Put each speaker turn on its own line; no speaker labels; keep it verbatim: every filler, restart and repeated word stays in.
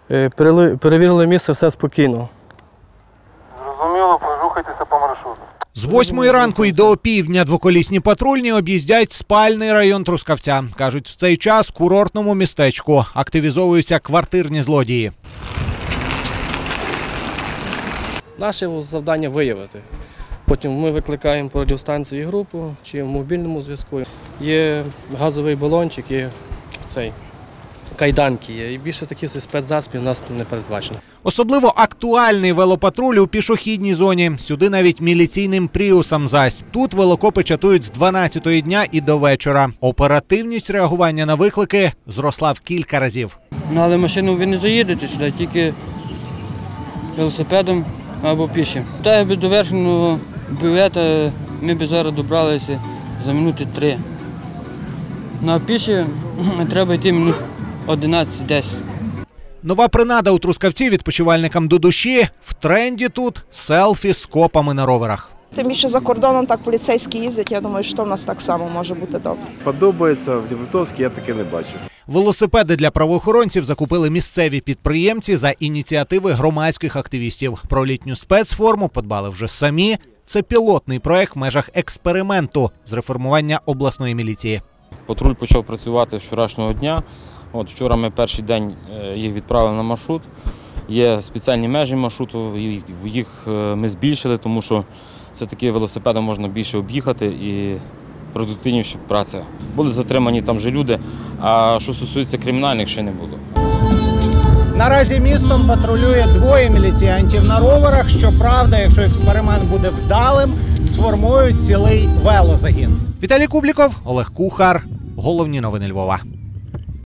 Перевірили місце, все спокійно.
Зрозуміло, рухайтеся по маршруту.
З восьмої ранку і до опівдня двоколісні патрульні об'їздять спальний район Трускавця. Кажуть, в цей час в курортному містечку активізовуються квартирні злодії.
Наше завдання – виявити. Потім ми викликаємо по радіостанції групу чи в мобільному зв'язку. Є газовий балончик, є цей, кайданки є. І більше таких спецзасобів у нас не передбачено.
Особливо актуальний велопатруль у пішохідній зоні. Сюди навіть міліційним пріусам зась. Тут велокопи чатують з дванадцятої дня і до вечора. Оперативність реагування на виклики зросла в кілька разів.
Ну, але машину ви не заїдете сюди, тільки велосипедом або пішим. Та би до верхнього бювета ми б зараз добралися за минути три. Ну а піші треба йти минут одинадцять-десять.
Нова принада у Трускавці відпочивальникам до душі. В тренді тут селфі з копами на роверах.
Тим більше за кордоном так поліцейські їздять, я думаю, що в нас так само може бути добре.
Подобається, в Дніпровській я таке не бачив.
Велосипеди для правоохоронців закупили місцеві підприємці за ініціативи громадських активістів. Про літню спецформу подбали вже самі. Це пілотний проект в межах експерименту з реформування обласної міліції.
Патруль почав працювати з вчорашнього дня. От, вчора ми перший день їх відправили на маршрут. Є спеціальні межі маршруту, їх ми збільшили, тому що все-таки велосипедом можна більше об'їхати і продуктивніша праця. Були затримані там же люди, а що стосується кримінальних, ще не було.
Наразі містом патрулює двоє міліціянтів на роверах. Щоправда, якщо експеримент буде вдалим, сформують цілий велозагін. Віталій Кубліков, Олег Кухар. Головні новини Львова.